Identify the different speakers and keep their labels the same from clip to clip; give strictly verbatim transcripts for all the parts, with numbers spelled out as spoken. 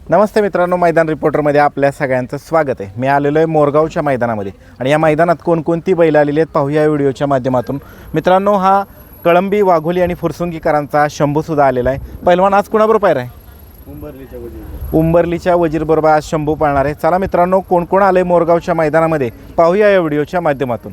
Speaker 1: नमस्ते मित्रांनो, मैदान रिपोर्टरमध्ये आपल्या सगळ्यांचं स्वागत आहे। मी आलेलो आहे मोरगावच्या मैदानामध्ये आणि या मैदानात कोणकोणती बैल आलेली आहेत पाहूया या व्हिडिओच्या माध्यमातून। मित्रांनो, हा कळंबी, वाघोली आणि फुरसुंगीकरांचा शंभूसुद्धा आलेला आहे। पहिलवान आज कुणाबरोबर पायरा आहे?
Speaker 2: उंबरलीच्या वजीर
Speaker 1: उंबरलीच्या वजीरबरोबर आज शंभू पाळणार आहे। चला मित्रांनो, कोण कोण आले मोरगावच्या मैदानामध्ये पाहूया या व्हिडिओच्या माध्यमातून।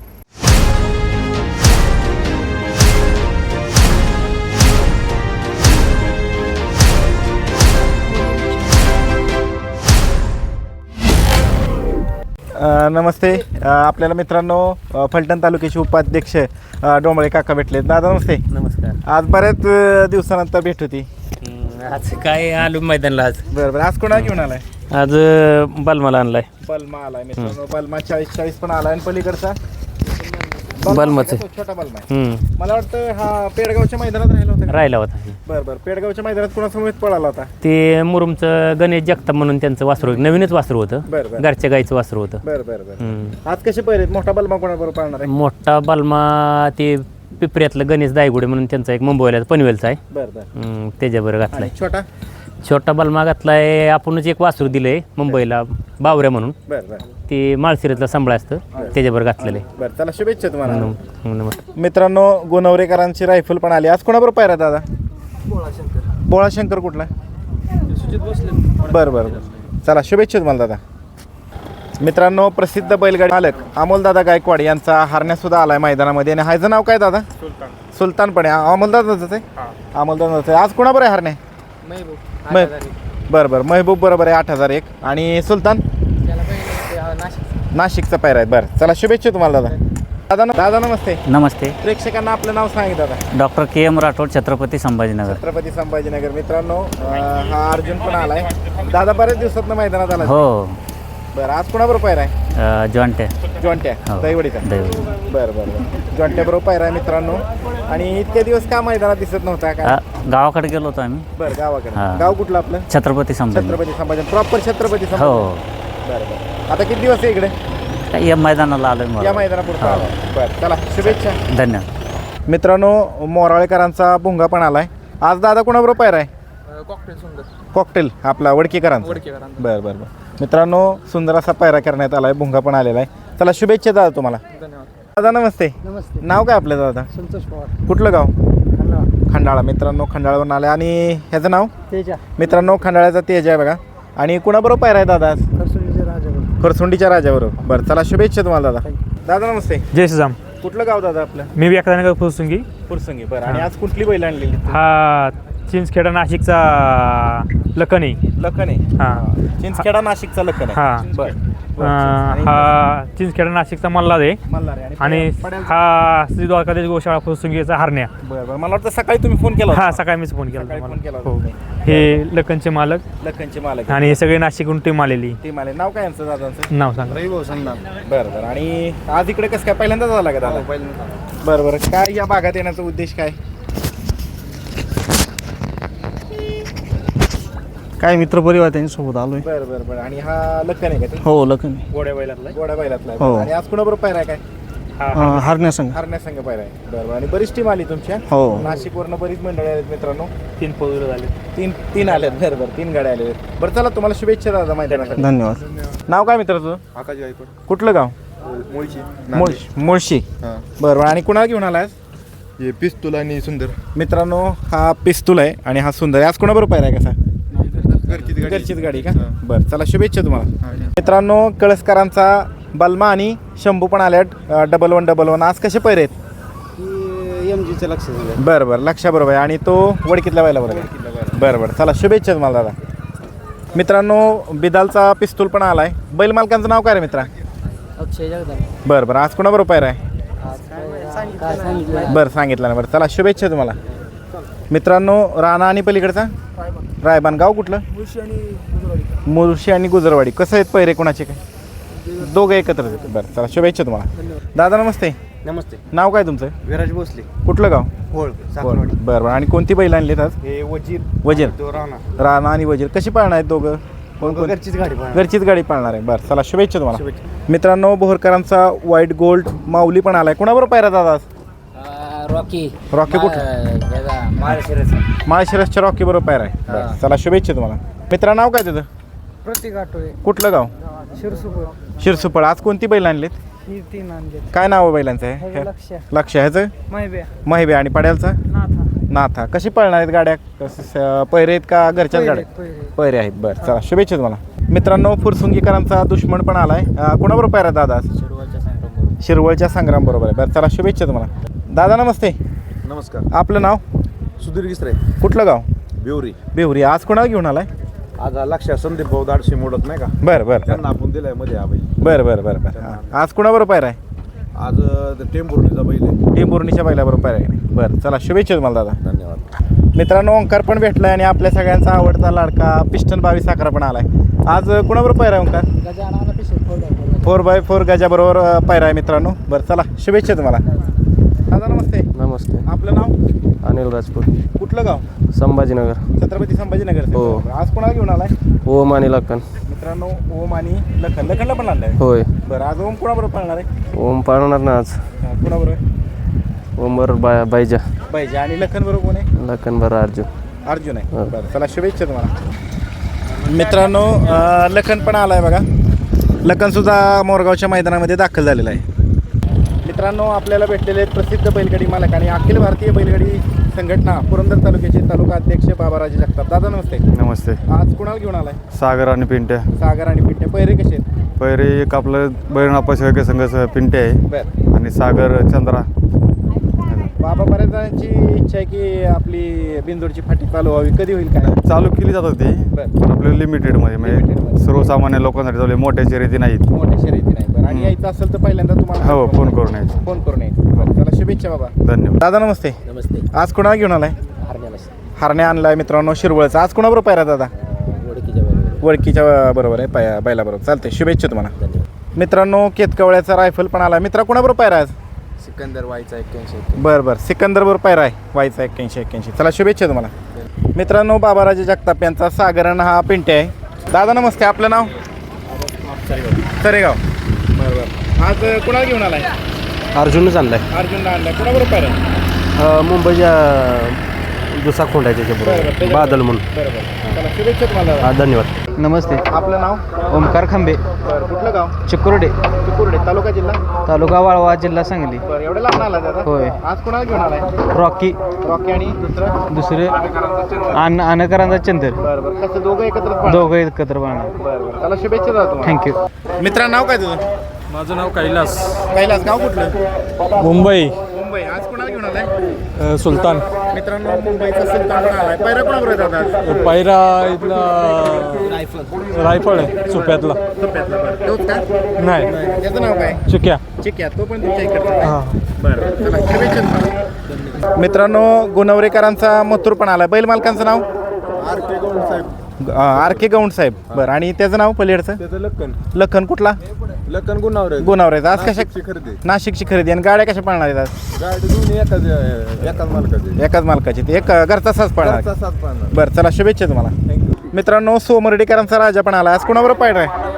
Speaker 1: नमस्ते, आपल्याला मित्रांनो फलटण तालुक्याचे उपाध्यक्ष डोंबळे काका भेटले। दादा नमस्ते।
Speaker 3: नमस्कार।
Speaker 1: आज बऱ्याच दिवसानंतर भेट होती।
Speaker 3: आज काय आलो मैदानला आज?
Speaker 1: बरं बरं, आज कोणा घेऊन आलाय?
Speaker 3: आज बलमाला आणलाय।
Speaker 1: बलमा आलाय मित्रांनो, बलमा चाळीस चाळीस पण आलाय आणि पलीकडचा
Speaker 3: बलमाच
Speaker 1: छोटा बलमा आहे। मला वाटतं हा पेडगावच्या मैदानात राहिला होता।
Speaker 3: राहिला होता।
Speaker 1: बरं बरं, पेडगावच्या मैदानात कोणासमोर पळाला होता?
Speaker 3: ते मुरुमचं गणेश जगताप म्हणून त्यांचं वासरू, नवीनच वासरू होतं।
Speaker 1: बरं बरं
Speaker 3: घरच्या गाईचं वासरू होतं।
Speaker 1: बरं बरं बरं। आज कसे पहिरे? मोठा बलमा कोणाबरोबर पाळणार आहे?
Speaker 3: मोठा बलमा ते पिपऱ्यातलं गणेश दायगुडे म्हणून त्यांचा एक मुंबईला पनवेलचा आहे।
Speaker 1: बरं बरं।
Speaker 3: त्याच्याबरोबर घातलाय।
Speaker 1: छोटा
Speaker 3: छोटा बलमा घातलाय आपणच एक वासरू दिलंय मुंबईला बावऱ्या म्हणून,
Speaker 1: बरं बरं।
Speaker 3: ते माळशिरसला सांभाळ असतं त्याच्याबरोबर घातलेलं आहे।
Speaker 1: बरं, चला शुभेच्छा तुम्हाला।
Speaker 3: नमस्कार
Speaker 1: मित्रांनो, गोनवरेकरांची रायफल पण आली। आज कोणाबरोबर पायरा दादा? बोळा शंकर कुठला? बरं बरं बरं, चला शुभेच्छा तुम्हाला दादा। मित्रांनो, प्रसिद्ध बैलगाडी मालक अमोलदादा गायकवाड यांचा हरण्यासुद्धा आलाय मैदानामध्ये आणि ह्याचं नाव काय दादा? सुलतान। सुलतान पण आहे अमोलदादाचं आहे? अमोलदादाचं आहे। आज कोणाबरोबर आहे हरणे? बरं बरं, महबूब बरोबर आहे आठ हजार एक आणि सुलतान नाशिकचा पायरा आहे। बरं, चला शुभेच्छा तुम्हाला दादा। दादा दादा नमस्ते।
Speaker 4: नमस्ते।
Speaker 1: प्रेक्षकांना आपलं नाव सांगितलं दादा।
Speaker 4: Doctor K M Rathod, Chhatrapati Sambhajinagar.
Speaker 1: Chhatrapati Sambhajinagar. मित्रांनो, अं, हा अर्जुन पण आलाय। दादा बऱ्याच दिवसात मैदानात आला।
Speaker 4: हो।
Speaker 1: बरं, आज कोणाबरोबर पायरा आहे?
Speaker 4: जॉन्टे
Speaker 1: जॉन्ट्या
Speaker 4: हो.
Speaker 1: दैवडीचा।
Speaker 4: दैवडी।
Speaker 1: बरं बरं बरं, जॉन्ट्या बरोबर पायरा आहे मित्रांनो। आणि इतके दिवस का मैदानात दिसत नव्हता का?
Speaker 4: अ, गावाकडे गेलो होतो आम्ही।
Speaker 1: बरं, गावाकडे।
Speaker 4: हा.
Speaker 1: गाव कुठलं आपलं?
Speaker 4: छत्रपती संभाजी।
Speaker 1: छत्रपती संभाजी, प्रॉपर छत्रपती
Speaker 4: हो।
Speaker 1: संभाजी। बरं बरं, आता किती दिवस आहे इकडे?
Speaker 4: काय या मैदानाला आलोय
Speaker 1: या
Speaker 4: मला।
Speaker 1: मैदानापुरता
Speaker 4: हो.
Speaker 1: आलाय। बरं, चला शुभेच्छा।
Speaker 4: धन्यवाद।
Speaker 1: मित्रांनो, मोराळेकरांचा भुंगा पण आलाय। आज दादा कोणाबरोबर पायरा आहे?
Speaker 2: कॉकटेल सुंदर
Speaker 1: कॉकटेल आपला वडकीकरांचा।
Speaker 2: वडकेकरांचा।
Speaker 1: बरं बरं बरं। मित्रांनो, सुंदर असा पायरा करण्यात आलाय, भुंगा पण आलेला आहे। चला शुभेच्छा दादा तुम्हाला।
Speaker 2: धन्यवाद।
Speaker 1: दादा नमस्ते।
Speaker 2: नमस्ते।
Speaker 1: नाव काय आपलं दादा?
Speaker 2: संतोष पवार,
Speaker 1: कुठलं गाव?
Speaker 2: खंडाळा।
Speaker 1: खंडाळा। मित्रांनो, खंडाळावरून आले आणि ह्याचं नाव?
Speaker 2: तेजा,
Speaker 1: मित्रांनो, खंडाळ्याचा तेज आहे बघा। आणि कुणाबरोबर पायरा आहे दादा?
Speaker 2: खरसुंडीचे राजावर।
Speaker 1: खरसुंडीच्या राजाबरोबर। बरं, चला शुभेच्छा तुम्हाला दादा। दादा नमस्ते।
Speaker 5: जय श्रीराम।
Speaker 1: कुठलं गाव दादा आपलं?
Speaker 5: मी व्याकरणगर फुरसुंगी।
Speaker 1: फुरसंगी। बरं, आणि आज कुठली बैल आणलेली?
Speaker 5: हा चिंचखेडा नाशिकचा लखन आहे।
Speaker 1: लखन आहे।
Speaker 5: हा
Speaker 1: चिंचखेडा नाशिकचा लखन आहे।
Speaker 5: हा
Speaker 1: बरं
Speaker 5: अं, हा चिंचखेडा नाशिकचा मल्हार आहे
Speaker 1: मल्हार आहे
Speaker 5: आणि
Speaker 1: पड्याल-
Speaker 5: हा श्री द्वारकादेश गोशाळा फुरसुंगीचा हरण्या।
Speaker 1: बरं बरं, मला वाटतं सकाळी तुम्ही फोन केला होता.
Speaker 5: हा सकाळी मीच फोन केला
Speaker 1: सकाळी फोन केला
Speaker 5: तुम्हाला।
Speaker 1: होता
Speaker 5: हो,
Speaker 1: तुम्ही.
Speaker 5: हे लखनचे मालक
Speaker 1: लखनचे मालक
Speaker 5: आणि हे सगळे नाशिकहून टीम आलेली।
Speaker 1: टीम आले। नाव काय यांचं दादांचं?
Speaker 5: नाव सांगा।
Speaker 2: रविभाऊ संधान।
Speaker 1: बरं बरं, आणि आज इकडे कसं काय पहिल्यांदाच आला का दादा? बरं बरं, काय या भागात येण्याचा उद्देश काय?
Speaker 6: काय मित्रपरिवार त्यांच्यासोबत आलोय.
Speaker 1: बरं बरं बरं, आणि हा लखन आहे का ते?
Speaker 6: हो, लखन
Speaker 5: गोड्या बैलातला
Speaker 1: गोड्या बैलातला आहे.
Speaker 6: हो.
Speaker 1: आणि आज कुणाबरोबर पायरा आहे काय?
Speaker 6: हरण्या संघ.
Speaker 1: हरण्या संघ पायरा आहे। बरं बरं, आणि बरीच टीम आली तुमच्या?
Speaker 6: हो.
Speaker 1: नाशिकवरनं बरीच मंडळी आहेत मित्रांनो।
Speaker 5: तीन फोर झाले।
Speaker 1: तीन तीन आल्यात। बरं बरं, तीन गाड्या आल्या आहेत। बरं, चला तुम्हाला शुभेच्छा दादा मैदानासाठी।
Speaker 6: धन्यवाद।
Speaker 1: नाव काय मित्र तुझं?
Speaker 2: आकाश गायकवाड,
Speaker 1: कुठलं गाव?
Speaker 2: मुळशी।
Speaker 1: मुळशी। मुळशी।
Speaker 2: हां,
Speaker 1: बरं बरं, आणि कुणाला घेऊन आलाय?
Speaker 2: हे पिस्तूल आणि सुंदर।
Speaker 1: मित्रांनो, हा पिस्तूल आहे आणि हा सुंदर आहे। आज कोणाबरोबर पायरा आहे कसा?
Speaker 2: घरचीच गाडी।
Speaker 1: घरचीच गाडी का?
Speaker 2: हां.
Speaker 1: बरं, चला शुभेच्छा तुम्हाला।
Speaker 2: हां.
Speaker 1: मित्रांनो, कळसकरांचा बलमा आणि शंभू पण आल्यात डबल वन डबल वन। आज कसे पैरे आहेत?
Speaker 2: एम जीचं लक्ष दिलं।
Speaker 1: बरं बरं, लक्षाबरोबर आहे आणि तो वडकीतल्या व्हायला बरोबर आहे। बरं बरं, चला शुभेच्छा तुम्हाला दादा। मित्रांनो, बिदालचा पिस्तूल पण आलाय। बैल मालकांचं नाव काय रे मित्रा?
Speaker 3: अक्षय जगताप।
Speaker 1: बरं बरं, आज कोणाबरोबर पायरा आहे? बरं, सांगितलं ना। बरं, चला शुभेच्छा तुम्हाला। मित्रांनो, राणा आणि पलीकडचा रायबान। गाव कुठलं? मुळशी आणि गुजरवाडी। कसं आहेत पैरे कोणाचे काय? दोघं एकत्र आहेत। बरं, चला शुभेच्छा तुम्हाला। दादा नमस्ते।
Speaker 2: नमस्ते।
Speaker 1: नाव काय तुमचं?
Speaker 2: विराज भोसले,
Speaker 1: कुठलं गाव?
Speaker 2: होळ,
Speaker 1: बरं
Speaker 2: साखरवाडी।
Speaker 1: बरं बरं, आणि कोणती बैल आणलीत आज?
Speaker 2: हे वजीर
Speaker 1: वजीर।
Speaker 2: तो राणा।
Speaker 1: राणा आणि वजीर कशी पाळणार आहेत दोघं? कोण कोण?
Speaker 2: घरचीच गाडी पाहणार.
Speaker 1: घरचीच गाडी पाळणार आहे। बरं, चला शुभेच्छा तुम्हाला।
Speaker 2: शुभेच्छा।
Speaker 1: मित्रांनो, बोहरकरांचा व्हाईट गोल्ड माऊली पण आलाय। कोणाबरोबर पायरा दादा आज?
Speaker 3: रॉकी।
Speaker 1: रॉकी कुठं?
Speaker 3: माळशिरस।
Speaker 1: माळशिरसच्या रॉकी बरोबर पायरा आहे। बरं, चला शुभेच्छा तुम्हाला। मित्रा नाव काय तुझं?
Speaker 6: प्रतीक आठवले
Speaker 1: कुठलं गाव?
Speaker 6: शिरसुपर
Speaker 1: शिरसुपळ. आज कोणती बैल आणलीत?
Speaker 6: ही तीन आणले
Speaker 1: काय नाव आहे बैलांचं आहे?
Speaker 6: लक्ष
Speaker 1: लक्ष ह्याचं
Speaker 6: माहिती
Speaker 1: महिबे आणि पड्यालचा
Speaker 6: नाथा
Speaker 1: नाथा. कशी पळणार आहेत गाड्या? कसं पैरे आहेत का घरच्याच गाड्या? पैरे आहेत. बरं चला शुभेच्छा तुम्हाला. मित्रांनो फुरसुंगीकरांचा दुश्मन पण आलाय. अं, कोणाबरोबर पायरा दादा आज? शिरवळच्या संग्राम बरोबर आहे. बरं चला शुभेच्छा तुम्हाला. दादा नमस्ते.
Speaker 2: नमस्कार.
Speaker 1: आपलं नाव?
Speaker 2: सुधीर गिसरे,
Speaker 1: कुठलं गाव?
Speaker 2: बेवरी.
Speaker 1: बेहुरी. आज कोणाला घेऊन आलाय?
Speaker 2: आज हा लक्ष संदीप भाऊ दाडशी मोडत नाही का,
Speaker 1: बरं बरं
Speaker 2: त्यांना आपण दिलाय मध्ये हा बैल.
Speaker 1: बरं बरं बरं बरं हां. आज कोणाबरोबर पायरा आहे?
Speaker 2: आज अं, टेंभुर्णीचा बैल आहे.
Speaker 1: टेंभुर्णीच्या बैलाबरोबर पायरा आहे. बरं चला शुभेच्छा तुम्हाला दादा.
Speaker 2: धन्यवाद.
Speaker 1: मित्रांनो ओंकार पण भेटलाय आणि आपल्या सगळ्यांचा आवडता लाडका पिस्टन बावीस अकरा पण आलाय. आज कुणाबरोबर पायरा आहे ओंकार? फोर बाय फोर गजाबरोबर अ, पायरा आहे मित्रांनो. बरं चला शुभेच्छा तुम्हाला. दादा नमस्ते.
Speaker 7: नमस्ते.
Speaker 1: आपलं नाव?
Speaker 7: अनिल राजपूत,
Speaker 1: कुठलं गाव?
Speaker 7: संभाजीनगर.
Speaker 1: छत्रपती संभाजीनगर.
Speaker 7: हो.
Speaker 1: आज कोणाला घेऊन आलाय?
Speaker 7: ओम आणि लखन.
Speaker 1: मित्रांनो ओम आणि लखन. लखनला पण आणलाय.
Speaker 7: होय.
Speaker 1: बरं आज ओम कोणाबरोबर पाळणार आहे?
Speaker 7: ओम पाळणार ना आज.
Speaker 1: हा, कोणाबरोबर?
Speaker 7: ओम बरोबर बाय बायजा.
Speaker 1: पाहिजे. आणि लखन बरोबर कोण आहे?
Speaker 7: लखन बरोबर अर्जुन.
Speaker 1: अर्जुन आहे.
Speaker 7: हा.
Speaker 1: बरं चला शुभेच्छा तुम्हाला. मित्रांनो अ, लखन पण आलाय बघा. लखनसुद्धा मोरगावच्या मैदानामध्ये दाखल झालेला आहे. मित्रांनो आपल्याला भेटलेले आहेत प्रसिद्ध बैलगाडी मालक आणि अखिल भारतीय बैलगाडी संघटना पुरंदर तालुक्याचे तालुका अध्यक्ष बाबाराजे जगताप. दादा नमस्ते.
Speaker 8: नमस्ते.
Speaker 1: आज कुणाला घेऊन आलाय?
Speaker 8: सागर आणि पिंट्या.
Speaker 1: सागर आणि पिंट्या. पैरे कसे आहेत?
Speaker 8: पहिरे एक आपलं बैरनापा शेळके संघ पिंट्या आहे
Speaker 1: बरं.
Speaker 8: आणि सागर चंद्रा.
Speaker 1: बाबा बऱ्याच जणांची इच्छा आहे की आपली बिंदूरची फाटी चालू व्हावी. कधी होईल काय?
Speaker 8: चालू केली जातात ती,
Speaker 1: बरं.
Speaker 8: पण आपल्या लिमिटेडमध्ये म्हणजे
Speaker 1: लिमिटेडमध्ये.
Speaker 8: सर्वसामान्य लोकांसाठी चालू आहे, मोठ्या शर्यती नाहीत.
Speaker 1: मोठ्या शर्यती नाही. बरं आणि यायचं असेल तर पहिल्यांदा तुम्हाला
Speaker 8: हो फोन करून यायचं.
Speaker 1: फोन करून यायचं. बरं चला शुभेच्छा बाबा.
Speaker 8: धन्यवाद.
Speaker 1: दादा नमस्ते.
Speaker 5: नमस्ते.
Speaker 1: आज कोणाला घेऊन आलाय?
Speaker 5: हरण्याला
Speaker 1: हरण्या आणलाय मित्रांनो शिरवळचा. आज कोणाबरोबर पायरा दादा?
Speaker 5: ओळखीच्या बरोबर.
Speaker 1: वडकीच्या बरोबर आहे पाया बैलाबरोबर. चालते शुभेच्छा तुम्हाला. मित्रांनो केतकवळ्याचा रायफल पण आला. मित्रा कोणाबरोबर पायरा आज?
Speaker 2: सिकंदर व्हायचा एक्क्याऐंशी.
Speaker 1: बरं बरं सिकंदर बरोबर पायरा आहे व्हायचा एक्क्याऐंशी एक्क्याऐंशी. चला शुभेच्छा तुम्हाला. मित्रांनो बाबाराजे जगताप यांचा सागरण हा पिंटे आहे. दादा नमस्ते. आपलं नाव? सरेगाव. बरं बरं. आज कोणाला घेऊन आलाय?
Speaker 7: अर्जुनच आणलाय.
Speaker 1: अर्जुनला आणलाय. कोणाबरोबर पायरा आहे?
Speaker 7: मुंबईच्या दुसरा खोंड आहे
Speaker 1: बरं, बरं.
Speaker 7: त्याच्याबरोबर
Speaker 1: त्याच्या-
Speaker 7: बादल म्हणून.
Speaker 1: बरं बरं. चला शुभेच्छा तुम्हाला दादा.
Speaker 7: हा धन्यवाद.
Speaker 6: नमस्ते.
Speaker 1: आपलं नाव?
Speaker 6: ओमकार खांबे,
Speaker 1: बरं कुठलं गाव?
Speaker 6: चिकुर्डे,
Speaker 1: चिकुर्डे. तालुका जिल्हा?
Speaker 6: तालुका वाळवा, जिल्हा सांगली.
Speaker 1: बरं एवढं लांब आला दादा?
Speaker 6: होय.
Speaker 1: आज कोणाला घेऊन आलाय?
Speaker 6: रॉकी,
Speaker 1: रॉकी आणि दुसरं?
Speaker 6: दुसरे आन अनकरांचा चंदर.
Speaker 1: बरं बरं. कसं दोघं एकत्र पाळणार?
Speaker 6: दोघं एकत्र पाहणार.
Speaker 1: बरं बरं. चला शुभेच्छा दादा तुम्हाला.
Speaker 6: थँक्यू.
Speaker 1: मित्रा नाव काय तुझं?
Speaker 5: माझं नाव कैलास.
Speaker 1: कैलास. गाव कुठलं?
Speaker 5: मुंबई.
Speaker 1: मुंबई. आज कोणाला घेऊन आलाय?
Speaker 5: सुलतान.
Speaker 1: मित्रांनो मुंबईचा सुलतान पण आलाय. पैरा कोणाबरोबर आहे दादा?
Speaker 5: पायरा इथला रायफळ आहे सुप्यातला.
Speaker 1: सोप्यातला. बरं तोच का?
Speaker 5: नाही
Speaker 1: त्याचं नाव काय?
Speaker 5: चिक्या.
Speaker 1: चिक्या. तो पण तुमच्या इकडचा. बरं चला शुभेच्छा तुम्हाला. मित्रांनो गुणवरेकरांचा मथुर पण आलाय. बैल मालकांचं नाव?
Speaker 2: आर के गौड साहेब.
Speaker 1: आर के गौंड साहेब. बरं आणि त्याचं नाव पलीकडचं?
Speaker 2: त्याचं लक्कन.
Speaker 1: लखन. कुठला?
Speaker 2: लक्कन गुणावर
Speaker 1: गुणावरेचा. आज कशा?
Speaker 2: खरेदी.
Speaker 1: नाशिकची खरेदी. आणि गाड्या कशा पळणार आहेत आज?
Speaker 2: गाडी दोन्ही एकाच एकाच मालकाचे.
Speaker 1: एकाच मालकाची. ते एक घरचा साच पळणार.
Speaker 2: घरचा सात पाहणार.
Speaker 1: बरं चला शुभेच्छा तुम्हाला. मित्रांनो सोमर्डीकरांचा राजा पण आला. आज कोणाबरोबर पायरा आहे?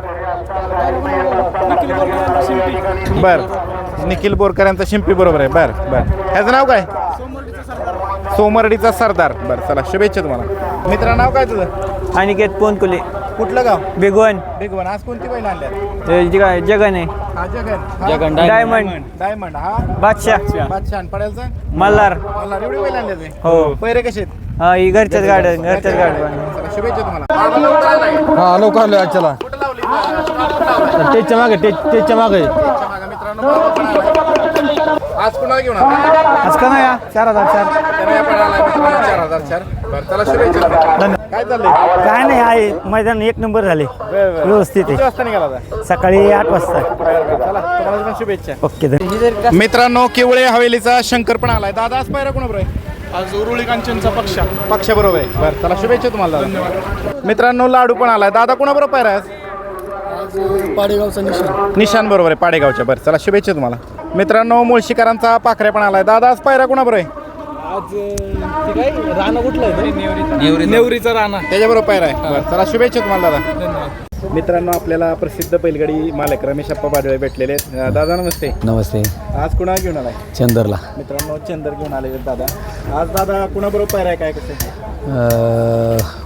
Speaker 1: बरं निखिल बोरकर यांचा शिंपी बरोबर आहे. बरं बरं. ह्याचं नाव काय? सोमर्डीचा सरदार. बरं चला शुभेच्छा तुम्हाला. मित्रा नाव काय तुझं?
Speaker 6: अनिकेत पोनकुले,
Speaker 1: कुठलं गाव?
Speaker 6: बेगवन,
Speaker 1: बेगवन. आज कोणती बैल आणल्यात?
Speaker 6: जगन आहे,
Speaker 1: हा जगन. हा?
Speaker 6: जगन. डायमंड.
Speaker 1: डायमंड. हा
Speaker 6: बादशाह,
Speaker 1: बादशाह. आणि पडेलचा?
Speaker 6: मल्हार.
Speaker 1: मला एवढी बैल आणल्यात.
Speaker 6: हो.
Speaker 1: पैरे कसे आहेत?
Speaker 6: हा ही घरच्याच गाड्या, घरच्याच गाड्या.
Speaker 1: चला शुभेच्छा तुम्हाला.
Speaker 8: हा लवकर आलो आजच्याला.
Speaker 1: कुठं लावली?
Speaker 8: टेजच्या मागे टेज टेजच्या मागे.
Speaker 1: त्याच्या मागं मित्रांनो बाबा पण आलाय. आज कुणाला घेऊन आला?
Speaker 6: आज का नाही चार हजार चार.
Speaker 1: त्याने आपण आलाय मित्रांनो चार हजार चार. बरं चला शुभेच्छा. काय चाललंय?
Speaker 6: काय नाही आहे मैदान एक नंबर झाले,
Speaker 1: बरं, बरं.
Speaker 6: व्यवस्थित
Speaker 1: किती
Speaker 6: आहे.
Speaker 1: वाजता निघाला होता?
Speaker 6: सकाळी आठ वाजता.
Speaker 1: चला तुम्हाला पण शुभेच्छा.
Speaker 6: ओके.
Speaker 1: मित्रांनो केवळे हवेलीचा शंकर पण आलाय. दादा आज पायरा कोणाबरोबर आहे?
Speaker 5: आज उरुळी कांचनचा पक्ष.
Speaker 1: पक्षाबरोबर आहे. बरं चला शुभेच्छा तुम्हाला दादा. मित्रांनो लाडू पण आलाय. दादा कोणाबरोबर पायरा आहे आज?
Speaker 6: पाडेगावचा निशाण.
Speaker 1: निशान बरोबर आहे पाडेगावच्या. बरं चला शुभेच्छा तुम्हाला. मित्रांनो मुळशीकरांचा पाखऱ्या पण आलाय. दादा आज पायरा कोणाबरोबर आहे?
Speaker 5: आज काय राणा कुठला आहे? नेवरीचा राणा.
Speaker 1: त्याच्याबरोबर पायरा आहे. बरं चला शुभेच्छा तुम्हाला दादा. मित्रांनो आपल्याला प्रसिद्ध बैलगाडी मालक रमेश अप्पा बाडळे भेटलेले आहेत. दादा नमस्ते.
Speaker 7: नमस्ते.
Speaker 1: आज कुणा घेऊन आलाय?
Speaker 7: चंदरला.
Speaker 1: मित्रांनो चंदर घेऊन आले दादा. आज दादा कुणाबरोबर पायरा आहे काय कसं?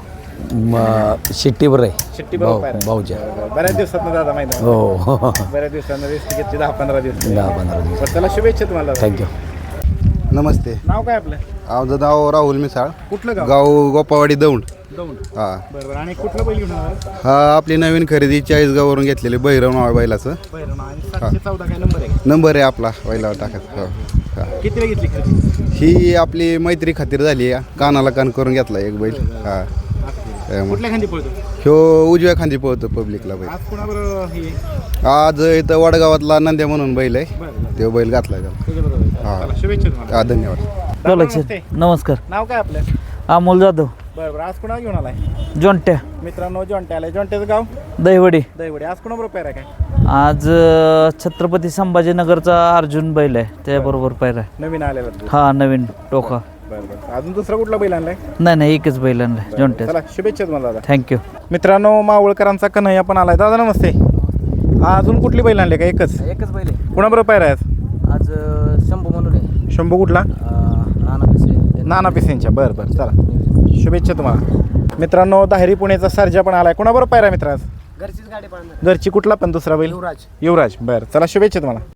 Speaker 9: शिट्टीवर आहे
Speaker 1: शिट्टी बरोबर पायरा.
Speaker 9: भाऊच्या
Speaker 1: बरं, बऱ्याच दिवसात दादा माहिती
Speaker 9: हो हो
Speaker 1: बऱ्याच दिवसांना रेस्ट घेतली दहा पंधरा दिवस
Speaker 9: दहा पंधरा दिवस
Speaker 1: बरं, चला शुभेच्छा तुम्हाला दादा.
Speaker 9: थँक्यू.
Speaker 2: नमस्ते
Speaker 1: नाव काय आपलं?
Speaker 2: माझं नाव राहुल मिसाळ
Speaker 1: कुठलं गाव?
Speaker 2: गाव गोपावाडी दौंड.
Speaker 1: दौंड.
Speaker 2: हा
Speaker 1: बरं बरं. आणि कुठलं बैल घेऊन आला?
Speaker 2: हा आपली नवीन खरेदी चाळीसगाववरून घेतलेली भैरव नाव बैलाचं
Speaker 1: बरं. आणि सातशे चौदा काय नंबर आहे?
Speaker 2: नंबर आहे आपला बैलावर टाकायचा. हो हा.
Speaker 1: किती वेळ घेतली खरेदी?
Speaker 2: ही आपली मैत्री खातीर झाली आहे. कानाला कान करून घेतला एक बैल. हा त्यामुळे.
Speaker 1: कुठल्या खांदी पळतो?
Speaker 2: ह्यो उजव्या खांदी पळतो पब्लिकला बैल.
Speaker 1: आज कोणाबरोबर हे
Speaker 2: आज इथं वडगावातला नंद्या म्हणून बैल आहे.
Speaker 1: बरं
Speaker 2: तो बैल घातला त्याला.
Speaker 1: त्याच्याबरोबर.
Speaker 2: हा.
Speaker 1: चला, शुभेच्छा तुम्हाला.
Speaker 2: हा धन्यवाद.
Speaker 1: दादा, नमस्ते.
Speaker 6: नमस्कार
Speaker 1: नाव काय आपलं?
Speaker 6: अमोल जाधव
Speaker 1: बरं बरं. आज कोणाला घेऊन आलाय?
Speaker 6: जोंट्या
Speaker 1: मित्रांनो जॉन्टे आलाय. जॉन्ट्याचं गाव
Speaker 6: दहिवडी.
Speaker 1: दैवडे. आज कोणाबरोबर पायरा काय?
Speaker 6: आज अ, छत्रपती संभाजीनगरचा अर्जुन बैल आहे त्याबरोबर पायरा आहे.
Speaker 1: नवीन आलेला तू.
Speaker 6: हा नवीन टोका.
Speaker 1: बरं बरं. अजून दुसरा कुठला बैल आणलाय?
Speaker 6: नाही नाही एकच बैल आणलाय जोंट्या.
Speaker 1: चला शुभेच्छा तुम्हाला दादा.
Speaker 6: थँक्यू.
Speaker 1: मित्रांनो मावळकरांचा कन्हैया पण आलाय. दादा नमस्ते. अजून कुठली बैल आणले का? एकच.
Speaker 5: एकच बैल आहे
Speaker 1: कोणाबरोबर पायरा आहे आज?
Speaker 5: आज अं, शंभू म्हणून आहे
Speaker 1: शंभू कुठला?
Speaker 5: अं, नाना पिसे
Speaker 1: नाना पिसेंच्या. बरं बरं. चला शुभेच्छा तुम्हाला. मित्रांनो दाहेरी पुणेचा सर्जा पण आलाय. कोणाबरोबर पायरा मित्र आज?
Speaker 5: घरचीच गाडी पाळणार
Speaker 1: घरची कुठला पण दुसरा बैल?
Speaker 5: युवराज.
Speaker 1: युवराज. बरं चला शुभेच्छा तुम्हाला.